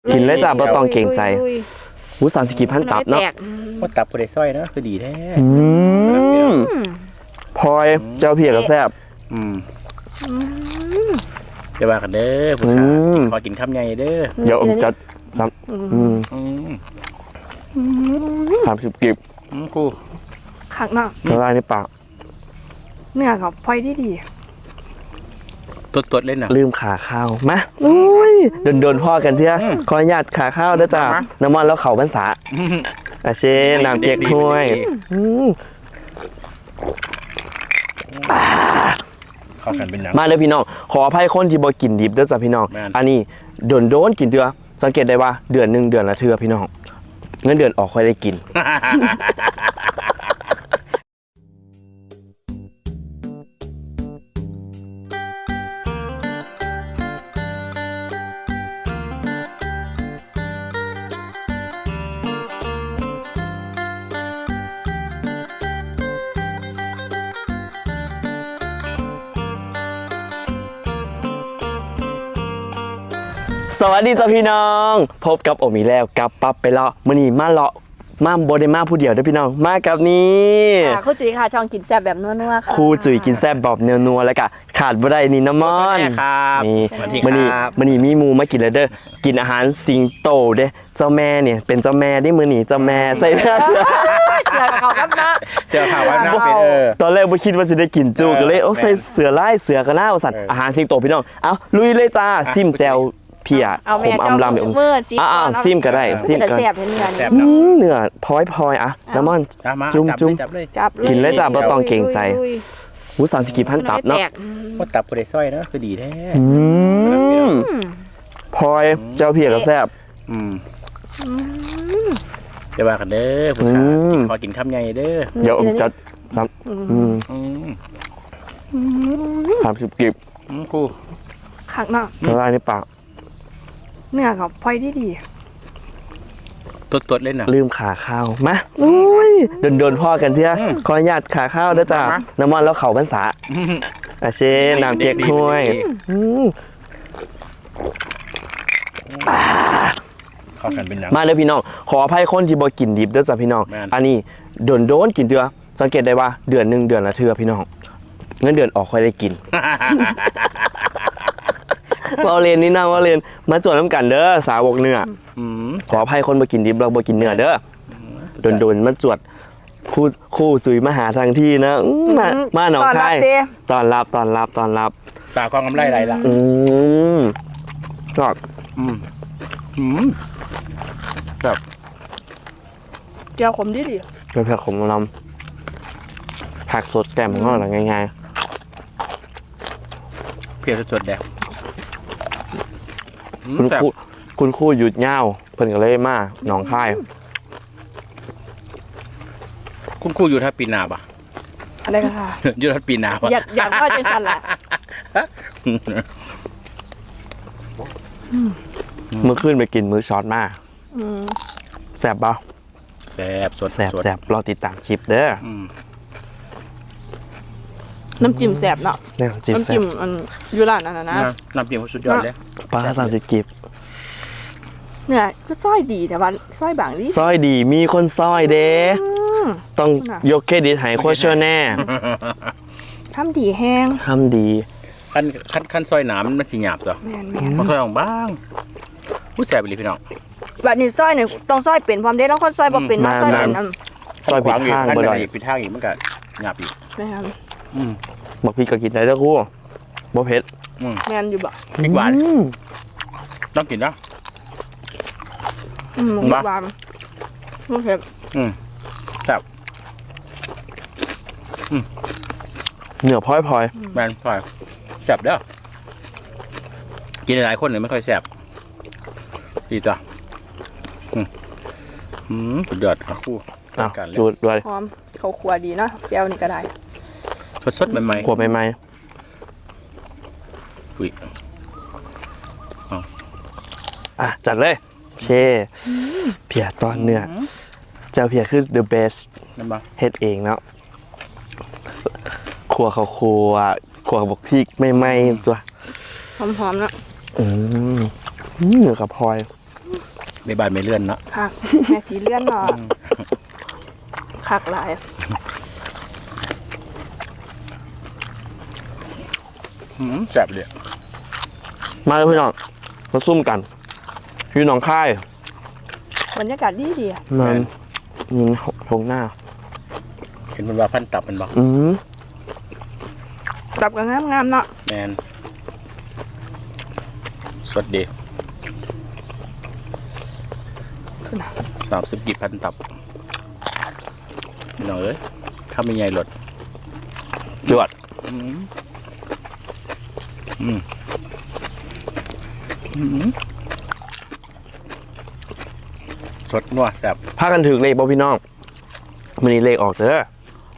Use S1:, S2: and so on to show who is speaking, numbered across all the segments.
S1: กินเลยจ้าบ่ต้องเกรงใจหูสามสิบกี่พันตับเนาะ
S2: ว่าตับกูได้สร้อยเนาะคือดีแท้
S1: พลอยเจ้าเพียกับแซ่บ
S2: จะว่ากันเด้อผู้ชายขอกินคำใหญ่เด้อ
S1: เดี๋ยวผมจัด30 กิบ
S2: กู
S3: ขักเนาะ
S1: ละลายในปาก
S3: เนื้อกับพลอยที่ดี
S2: ตัวเล่นน่ะ
S1: ลืมขาข้าวมาโดนพ่อกันเถอะขออนุญาตขาข้าวด้วยจ้าน้ำมันแล้วเขาพรรษาเชน้ำเก๊กถ้วย
S2: เข้ากันเป็น
S1: มาเลยพี่น้องขออภัยคนที่บ่กินดิบด้วยจ้ะพี่น้องอันนี้โดนกินเดือสังเกตได้ว่าเดือนละเทื่อพี่น้องเงินเดือนออกค่อยได้กินสวัสดีจ้าพี่น้องพบกับโอมีแล้วกับปั๊บไปเลาะมื้อนี้มาเลาะมาบ่ได้มาผู้เดียวเด้อพี่น้องมากับนี่
S3: ครูจุ๋ยค่ะช่องกินแซ่บแบบนัวๆค่ะ
S1: ครูจุ๋ยกินแซ่บแบบนัวๆแล้วก็ขาดบ่ได้นี่น้ำมันนี่มื้อนี้มีหมู่มากินแล้วเด้อกินอาหารสิงโตเด้เจ้าแม่เนี่ยเป็นเจ้าแม่ได้มื้อนี้เจ้าแม่ใส่เสื้อ
S3: กับเขาครับนะ
S2: เสื้อขาวนะเป็น
S1: ตอนแรกบ่คิดว่าสิได้กินจุก็เลยใส่เสื้อลายเสื้อก็น่าเอาสั่นอาหารสิงโตพี่น้องเอาลุยเลยจ้าซิมแจ่วเพียขมอำลำอย่างซิมก็ได้ซิมก็เนื้อพลอยอะน้ำมันจุ่มกินเลยจ้าบ่ต้องเกรงใจหู30 กี่พันตับเนาะ
S2: ว่าตับกูได้สร้อยเนาะคือดีแท้
S1: พลอยเจ้าเพียกับแซ่บ
S2: จะว่ากันเด้อผู้ชายขอกินคำใหญ่เด้อ
S1: เดี๋ยวผมจัด30 กิบ
S2: กู
S3: ขักเนาะ
S1: ละลายในปาก
S3: เนื้อกับพลอยที่ดี
S2: ตัวเล่นน่ะ
S1: ลืมขาข้าวมาโดนพ่อกันเถอะขออนุญาตขาข้าวด้วยจ้าน้ำมันแล้วเขาพรรษาเชน้ำเก๊กถ้วย
S2: เข้ากันเป็น
S1: มาเลยพี่น้องขออภัยคนที่บ่กินดิบด้วยจ้ะพี่น้องอันนี้โดนกินเดือสังเกตได้ว่าเดือนละเทื่อพี่น้องเงินเดือนออกค่อยได้กินว่าเรียนนี่นะว่าเรียนมาจวดน้ำกันเด้อสาวกเนื้อขออภัยคนบ่กินดิบเราบ่กินเนื้อเด้อโดนมาจวดคู่จุ๋ยมาหาทางที่นะมาหนองคายตอนรับ
S2: ตาความกำไรไรล่ะ
S1: ชอบ
S2: แบบ
S3: เจียวขมดี
S1: เป็นผักขมลำผักสดแกมของเราหรือง่าย
S2: เพียรสดแดง
S1: คุณคู่หยุดเงาเพิ่นก็เลยมาหนองคาย
S2: คุณคู่อยู่ทัดปีนาปะ
S3: อะไรกันค่ะ
S2: อยู่ทัดปีนาปะ
S3: อยากก็จะสั่นแหละ
S1: มื้อคืนไปกินมื้อช็อตมาแซ่บป่ะ
S2: แ
S1: ซ่บรอติดตามคลิปเด้อ
S3: น้ำจิ้มแซ่บเนาะ
S1: น้ำจิ้ม
S3: อันยูร้านนั่นนะ
S2: น้ำจิ้มสุดยอดเลย
S1: ปลา30 กิบ
S3: เนี่ยก็ซ้อยดีแต่ว่าซ้อยบางดิ
S1: ซ้อยดีมีคนซ้อยเด้ต้องยกเครดิตให้โคชแน่
S3: ทำดีแห้ง
S1: ทำดี
S2: ขั้นซอยหนามมันสิหยาบจ้ะมันซอยของบ้างผู้แสบไปเลยพี่น้อง
S3: แบบนี้ซ้อยเนี่ยต้องซ้อยเป็นความเด็ดต้องคนซ้อยบ่เป็นซ้อยเป็น
S1: ซ้อยผิดทาง
S2: บ่ได้ผิดทางอีกมันก็หยาบอีก
S1: บอกพี่ก็กินได้แล้วกูบ่เผ็ด
S3: แมนอยู่บ่
S2: พริกหวานต้องกินนะ
S3: หวานไม่เผ็ด
S2: แซ่บ
S1: เนื้อพลอย
S2: แมนพลอยแซ่บเด้อกินหลายคนเลยไม่ค่อยแซ่บดีจ้ะสุดยอดครับคู่
S1: กันจุดด้วย
S3: หอมเขาขัวดีเนาะแก้วนี่ก็ได้
S2: สดใหม่ๆ
S1: ขัวใหม่
S2: อุ้ย
S1: จัดเลยเช่เพียตอนเนื้อเจ้าเพียคือ the best เฮ็ดเองเนาะขัวเขาขัวบอกพริกไม่ตัว
S3: หอมๆเนาะ
S1: เนื้อกับพลอย
S2: ในบ้านไม่เลื่อนเนาะ
S3: คักแม่สีเลื่อนเนาะคักหลาย
S2: แซ่บเลย
S1: มาเลยพี่น้องมาซุ่มกันอยู่หนองคาย
S3: บรรยากาศดีๆอะ
S1: มันมีทงหน้า
S2: เห็นมันว่าพันตับมันบอก
S3: ตับก็งามๆเนาะ
S2: แมนสดดี30 กี่พันตับพี่น้องเอ้ยถ้าไม่ใหญ่หลด
S1: จวด
S2: สดนัวแบบ
S1: พากันถือเลขบ่พี่น้องมันนี้เลขออกเด้อ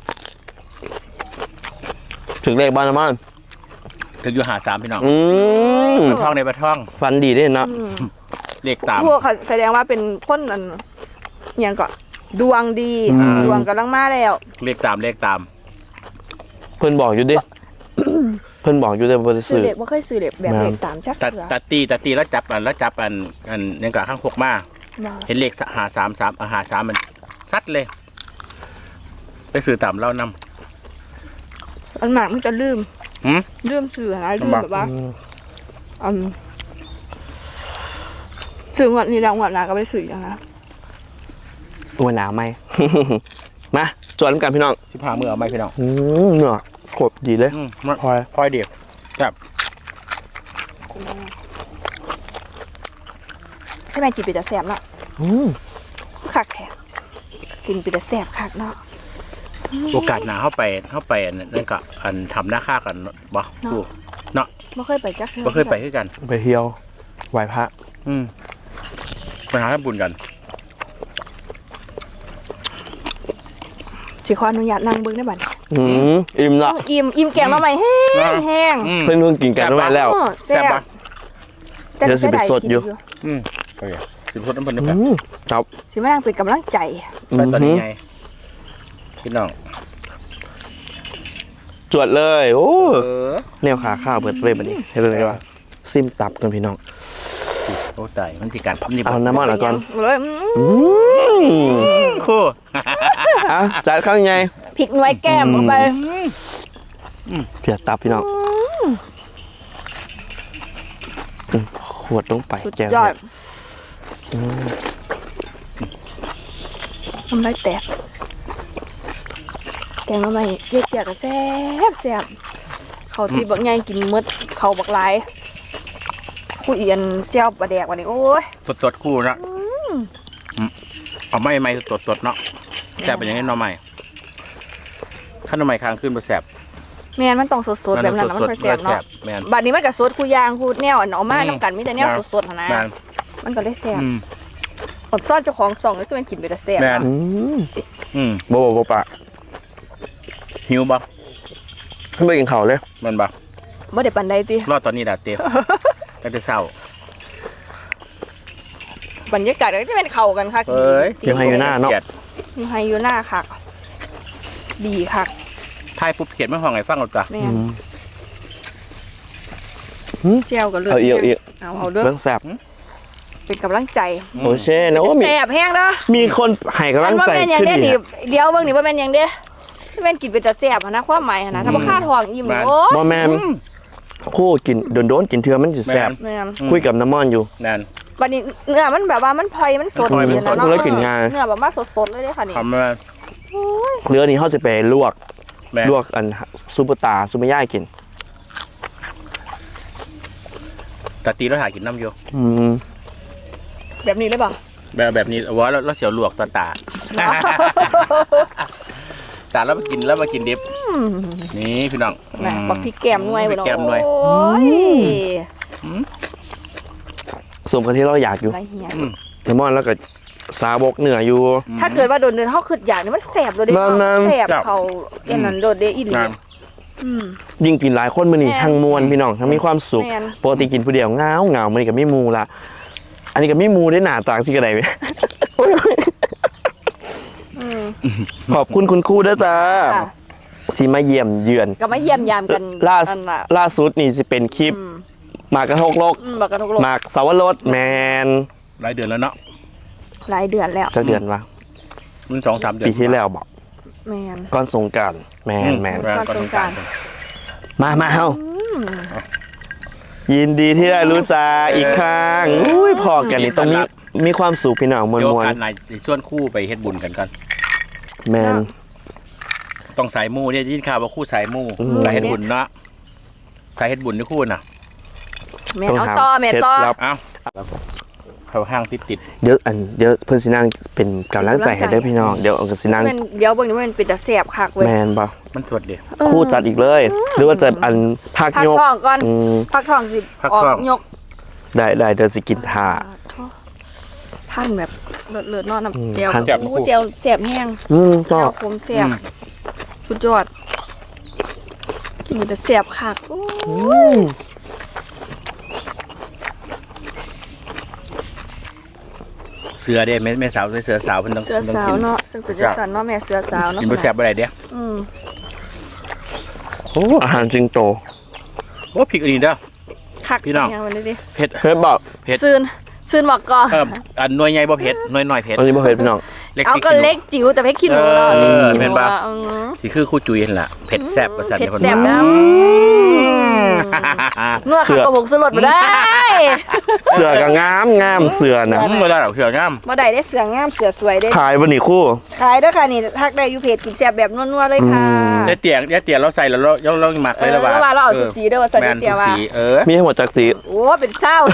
S1: ถึงเลขบ้านละมัน
S2: ถึงอยู่หา3พี่น้อง
S1: ม
S2: ปลาท่องในปลาท่อง
S1: ฟันดีด้วยเนาะ
S2: เลขตาม
S3: พวกเขาแสดงว่าเป็นคนอันอหยังก็ดวงดีดวงกำลังมาแล้ว
S1: เพิ่นบอกอยู่ดิ เพิ่นบอกอยู่แต่บ่ได้
S3: ซื้อ
S1: ซื้อ
S3: เด็กบ่เคยซื้อเด็กแบบเด็กตามจัก
S2: ตัด
S3: เถื่อ
S2: ตัดตีแล้วจับอันในกระข้างพกมา
S3: บ่
S2: เห็นเลขหา3มันซัดเลยไปซื้อตามเล่าน
S3: อันมากมันจะลืม
S2: ำ
S3: ลืมซื้อนะลืม
S2: ลำบาก
S3: แบบว่าซื้องวดนี้แล้วงวดหน้าก็ไปซื้ออย่างนะ
S1: ตัวหนาวไหม มาจวนกันพี่น้อง
S2: 15มือเอาไหมพี่น้อง
S1: เนื้อโคตรดีเลย พลอย
S2: พลอยเดียวครับ
S3: ใช่ไหมกินไปแต่แสบเนาะคักแท้กินไปแต่แสบคักเนาะ
S2: โอกาสหนาเข้าไปนั่นก็อันทำหน้าค่ากันบ่ถูกเนาะ
S3: บ่เคยไปจักเทื่อ
S2: บ่เคยไปคือกัน
S1: ไปเที่ยวไหว้พระ
S2: ไปหาทำบุญกัน
S3: สิขออนุญาตนั่งเบิ่งได้บัดนี้
S1: อิ่มละ
S3: อิ่มแกงมาใหม่แห้ง
S1: เพิ่นกินกันไว้แล้ว
S3: แซ่บ
S1: เดี๋ยวสิไปสดอยู่
S2: โอเคสิบคนน้ำเพิ่นน้ำกัน
S1: ครับ
S3: สิมานั่งเป็นกำลังใจ
S2: ไปตอนนี้ไงพี่น้อง
S1: จวดเลย โอ้
S2: เออ
S1: แนวขาข้าวเปิดเลยบัดนี้เฮ็ดเลยว่าซิมตับกันพี่น้อง
S2: โอ้ตายมันที่การทำนี่
S1: เอาน้ำมันละก่อน
S3: เลย
S2: คู่
S1: อ่ะจัดข้าวยังไง
S3: พริกหน่วยแก้มเข้าไป
S1: เพียตับพี่น้องขวดลงไป
S3: สุด
S1: แก้วย
S3: อดทำไรแตกแกงมาใหม่เรียกก็แซ่บเขาที่บักใหญ่กินหมดเขาบักหลายคู่เอียนเจ้าปลาแดกวันนี้โอ้ย
S2: สดคู่นะเอาไม่สดเนาะแซ่บเป็นอย่างนี้น้องใหม่ถ้าน้องใหม่ค้างขึ้นมาแซ่บ
S3: แม่นมันต้องสดๆแบบนั้นนะมันค่อยแซ่บเนาะ
S2: แม่น
S3: บัดนี้มันก็สดคู่ยางคู่แนวอันเอามาน้ำกันมีแต่แนวสดๆหั่นนะ
S2: แม่น
S3: มันก็เลยแซ่บอดซ่อนเจ้าของส่องแล้วจะมันกินไปแต่แซ่บ
S2: แม่น
S1: บ่ปะ
S2: หิวบ่
S1: ไม่กินข้าวเลย
S2: มันบ่
S3: บ่ได้ปานใดติ
S2: รอดตอนนี้ดาเตียตั้งแต่เช้า
S3: บรรยากาศก็จะเป็นเข้ากันคัก
S2: เอ้ย
S1: เดี๋ยวให้อยู่หน้าเนาะ
S3: มีไฮอยู่หน้าคักดีคัก
S2: ทายปุ๊บเขียนไม่ห้องไงฟังเราจ้ะ
S3: แม่นเจียวก็เลื
S1: เอาอีก
S3: เอาเด้อ
S1: เรื่องแซ่บ
S3: เป็นกำลังใจ
S1: โอเช่นะว่ามี
S3: แซ่บแห้งเด้อ
S1: มีคนให้กำลังใจ
S3: อันว่าแม่นยัง
S1: ขึ้น
S3: ได้
S1: ดี
S3: นี่เดี๋ยวเบิ่งนี่ว่าแม่นยังเด้แม่นกินเป็นแต่แซ่บหั่นนะความหมายหั่นนะถ้าบ่ค่าท้องอิ่มเลยโอ้
S1: บ่แม่นคู่กินโดนกินเทื่อมันสิแซ่บ
S3: แม่น
S1: คุยกับน้ำมันอยู่
S2: นั่น
S3: บัดนี้เนื้อมันแบบว่ามันพลอยมันสด
S2: มันพลอย
S3: ดี
S2: มันสด
S3: นะเนาะ
S1: เลยกินง่าย
S3: เนื้อแบบมาสดๆเลยเด้อค่ะนี่
S2: ทำมา
S1: เรือนี้เขาจะไปลวก
S2: แม่
S1: ลวกอันซุปเปอร์ตาซุปเปอร์ย่ายกิน
S2: ตาตีเราถ่ายกินน้ำอยู่
S3: แบบนี้เลยเปล่า
S2: แบบนี้ว่าเราเสียวลวกตาตาแล้วมากินดิบนี่พี่น้อง
S3: นะบักพริกแกมหน่วย
S2: พริกแกมหน่วย
S3: โอ้ย
S1: สมกับที่เราอยากอยู่
S3: ไรเหี้ย
S1: น้ำมันแล้วก็ซาบกเหนืออยู่
S3: ถ้าเกิดว่าโดนเดินเฮาขึ้นอย่างนี้มันแสบโดดเด้
S1: มัน
S3: แสบเขาเอ็นนั้นโดดเด้อีหลี
S2: งาน
S1: ยิ่งกินหลายคนมื้อนี้
S3: แม่น
S1: ทั้งมวลพี่น้องทั้งมีความสุข
S3: แม่น
S1: ปกติกินผู้เดียวเหงามื้อนี้ก็มีหมู่ละอันนี้ก็มีหมู่ได้หน้าตาสิกระได ขอบคุณคุณครูด้วยจ้า
S3: ค่ะ
S1: ที่มาเยี่ยมเยือน
S3: ก็มาเยี่ยมยามกัน
S1: ล่า
S3: อันน่ะ
S1: ล่าสุดนี่สิเป็นคลิปหมากกระทกโลก
S3: บักกระทกโลก
S1: หมากสาวรสแมน
S2: หลายเดือนแล้วเนาะ
S3: หลายเดือนแล้ว
S1: จักเดือนวะ
S2: มัน2-3 เดือน
S1: ปีที่แล้วบอก
S3: แมน
S1: ก่อนสงกรานต์แมน
S3: ก่อนสงกรานต์
S1: มาเฮายินดีที่ได้รู้จักอีกครั้งอุ้ยพอกันนี่ต้องมีความสุขพี่น้องม
S2: เดี๋ยว
S1: วล
S2: กันนายชวนคู่ไปเฮ็ดบุญกันก่อน
S1: ๆแมน
S2: ต้องสายมู่เนี่ยยินข่าวว่าคู่สายมู่
S1: ม
S2: สายเฮ็ดบุญเนาะสายเฮ็ดบุญนี่คู่น่ะ
S3: แม่เอาต่อแม่ต่อ
S1: เคล็ดลับ
S2: เอ้าเขาห้างติด
S1: เดี๋ยวเพิ่นสินั่งเป็นกำลังใจให้เด้อพี่น้องเดี๋ยวเอาก็สินั่ง
S3: เดี๋ยวเบิ่งนี่มันเป็นตะแสบคักเว้ย
S1: แมนบ่
S2: มันสดเดียว
S1: คู่จัดอีกเลย หรือว่าจะอันพัก
S3: พัก
S1: ยก
S3: ท้องก่อน
S1: อืม
S3: พักท้องสิ
S2: พัก
S3: ออก
S2: ท้อง
S3: ยก
S1: ได้เดี๋ยวสิกินท่า
S3: พันแบบเลิศๆเนอนน้ำเจล
S1: พัน
S3: โอ้เจลแสบแห้ง
S1: ก็
S3: เจลคมแสบสุดยอดกินแต่แสบคักโอ้
S2: เสือเด้แม่สาวเสือสาวเพิ่นต้อง
S3: เสือสาว
S2: กิน
S3: เนาะจังเป็นจังสันเนาะแม่เสือสาวเนาะ
S2: กินบ่แซ่บบ่ได้เด้
S3: อืม
S1: โอ้อาหารจริงโต
S2: โอ้พริกอันนี้เด้อ
S3: คัก
S2: พี่น้อง
S3: ย่างมันดิ
S2: เผ็ด
S1: เฮ้ยบอก
S2: เผ็ด
S3: ซื่นบอกก่อน
S2: อันหน่วยใหญ่บ่เผ็ดหน่วยน้อยเผ็ด
S1: อันนี้บ่เผ็ดพี่น้อง
S2: เล็ก
S3: เอา
S2: พริก
S3: ก็
S2: ขี้หนู
S3: เล็กจิ๋วแต่เพ็กขี้หนูเนาะ
S2: แม่นบ่
S3: อืม
S2: สิคือคู่จุยเห็นล่ะเผ็ดแซ่บว่าซั่น
S3: เผ็ด
S2: เพิ่น
S3: แซ่บ
S2: ว่า
S3: นะเนื้อขับกระบอกสลดมาได้
S1: เสือก็งามเสือนะ
S2: บ่ได้หรอกเสืองาม
S3: มาได้ได้เสืองามเสือสวยได้
S1: ขายบ่นี่คู่
S3: ขายเด้อค่ะนี่ทักได้อยู่เพจกินแซ่บแบบนัวๆเลยค่ะ
S2: ได้เตียเราใส่แล้วเราหมักเลยละว่า
S3: เราเอาสีเด้อใส่เตียว่า
S2: สี
S1: มีทั้งหมดจักสี
S3: โอ้เป็นเศร้า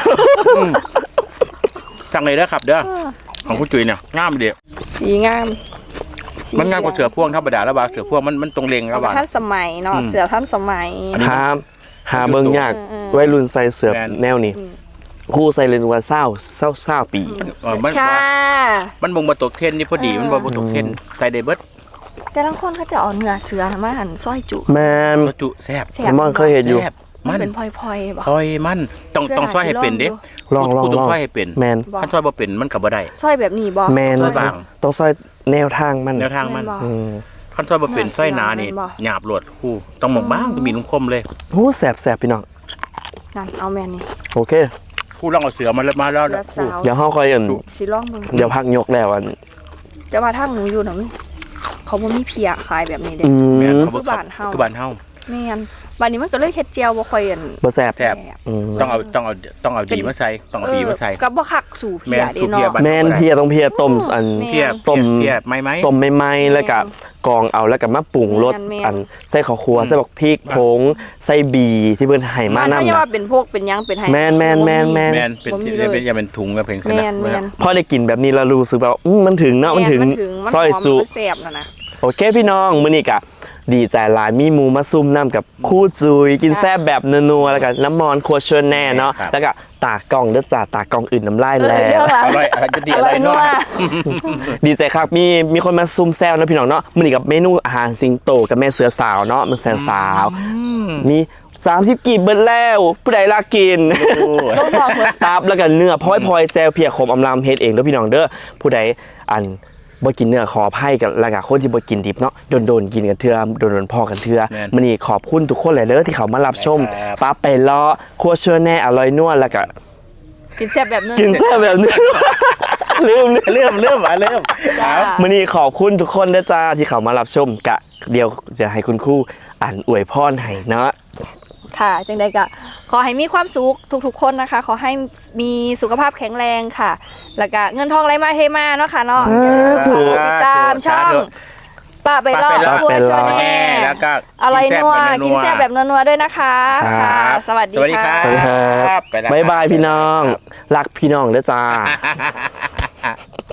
S2: สั่งเลยเด้อครับเด้อของคู่จุยเนี่ยงามเดียว
S3: สีงาม
S2: มันงามกว่าเสือพ่วงธรรมดาแล้วว่าเสือพ่วงมันตรงเลงแล้วว่า
S3: ท่านสมัยเนาะเสือท่านสมัย
S1: หาเบิ่งยากวัยรุ่นใส่เสือแนวนี้คู่ใส่เลยว่าเศร้าปี
S2: มัน
S3: ค่ะ
S2: มันบ่ตกเทรนนี่พอดีมันบ่ตกเทรนใส่ได้เบิด
S3: แต่บางคนเขาจะเอาเนื้อเสือมาหั่นซอยจุ
S1: แมน
S2: จุแซ่บ
S3: แซ่บ
S1: มอนเคยเห็นอยู่
S2: แซ่บ
S3: มั
S2: มัน น
S3: เป็นพลอยๆบ่
S2: ซอยมันต้องซอยให้เป็นเด้
S1: ลอง
S2: กูต้องซอยให้เป็น
S1: แมน
S2: ถ้าซอยบ่เป็นมันก็บ่ได้
S3: ซอยแบบนี้บ่
S1: แมน
S2: ซอยบาง
S1: ต้องซอยแนวทางมัน
S2: แนวทางมัน
S3: แม่นบ่
S1: อืม
S2: คันซอยบ่เป็นซอยหนานี่
S3: แม่นบ่
S2: หยาบโลดคู่ต้องหมกบ้างต้องมีนุ่มคมเลย
S1: โอ้แสบพี่น้อง
S3: นั่นเอาแม่นี่
S1: โอเค
S2: คู่ลองเอาเสือมาแล้ว
S3: เสือ
S2: คู่
S3: สาว
S1: เดี๋ยวเฮาค่อยอัน
S3: สิลองเบิ่ง
S1: เดี๋ยวพักยกแล้วอัน
S3: แต่ว่าทางหนูอยู่น่ะเขาบ่มีเพียขายแบบนี้เด้
S1: อื
S2: แม่น
S1: ม
S2: เขาบ่
S3: คือบ้านเฮา
S2: คือบ้านเฮา
S3: แม่นบัดนี้มันก็เลยเฮ็ดเจียวบ่ค่อยอัน
S1: บ่แสบ
S2: แซ่บ
S1: อืม
S2: ต้องเอาดีมาใส่ต้องเอาดีมาใส่
S3: ก็บ่คักสู่เพียเด้
S2: แม่นสู่เพีย
S3: เนาะ
S2: บัด
S1: แมนเพียต้องเพียต้มอัน
S3: แม่
S2: เพีย
S1: ต้ม
S2: เพียไหม
S1: ต้มใหม่ๆแล้วก็กรองเอาแล้วก็มาปรุงรส
S3: แม่น
S1: อันใส่ข้าวคั่วใส่บักพริกผงใส่บีที่เพิ่นให้มา
S3: มัน
S1: นำ
S3: ไม่ใช่
S1: นะ
S3: ว่าเป็นพวกเป็นหยังเป็นไห้
S1: แม่น
S2: แม่นเป็น
S3: บ่มีเลย
S2: อย่าเป็นถุงกับเพลง
S3: แม่นแม่น
S1: พอได้กินแบบนี้เรารู้สึกแบบมันถึงเนาะมันถึง
S3: มัน
S1: ซอย
S3: หอม
S1: จุ
S3: มันแซ่บแล้วนะ
S1: โอเคพี่น้องมื้อนี้กะดีใจหลายมีหมูมาซุ่มน้ำกับคู่จุยกินแซ่บแบบนัวๆแล้วก็น้ำมอนครัวชวนแน่เนาะแล้วก็ตากล่องเด้อจ้าตากล่องอื่นน้ำลายแล้
S3: เรื่อง
S1: ว
S3: ละ
S2: อร่อยจะดี
S3: อ
S2: อ
S3: ร่
S2: ร่
S3: อ
S2: อย ย
S3: นั
S2: นั
S3: ว
S2: ว
S1: ดีใจครับมีคนมาซุ่มแซวนะพี่น้องเนาะมื้อนี้กับเมนูอาหารสิงโตกับแม่เสือสาวเนาะมันแซวสาวมี30กีบเบิดแล้วผู้ใดลากกิน
S3: ต้องบอกเพิ่น
S1: ตับแล้วก็เนื้อพลอยแจวเพียขมอำลำเฮ็ดเองเด้อพี่น้องเด้อผู้ใดอันบ่กินเนื้อขออภัยกันแล้วก็คนที่บ่กินดิบเนาะโดนกินกันเทื่อโดนพ่อกันเทื่อมื้อนี้ขอบคุณทุกคนหลายเด้อที่เขามารับชมป้าไปเลาะครัวเชื่อแน่อร่อยนัวแล้วก็
S3: กินแซ่บแบบนึง
S1: กินแซ่บแบบนี้ ลืม
S2: เริ่ม
S3: จ้า
S1: มื้อนี้ขอบคุณทุกคนเด้อจ้าที่เขามารับชมกะเดี๋ยวจะให้คุณครูอ่านอวยพรให้เนาะ
S3: ค่ะจังใดก็ขอให้มีความสุขทุกๆคนนะคะ ขอให้มีสุขภาพแข็งแรงค่ะ แล้วก็เงินทองไหลมาเทมาเนาะค่ะเนาะ
S1: สาธุ
S3: ติดตามช่องป้าไปรอดครัวชวนแน่
S2: แล้วก็
S3: อร่อยนัวกินแซ่บแบบนัวๆด้วยนะคะค่ะสวัสดี
S2: สวัสดีครั
S3: ค่ะ
S2: บ
S1: สวัสดีครับ
S2: ไปแล้ว
S1: บ๊ายบายพี่น้องรักพี่น้องเด้อจ้า
S2: ครับ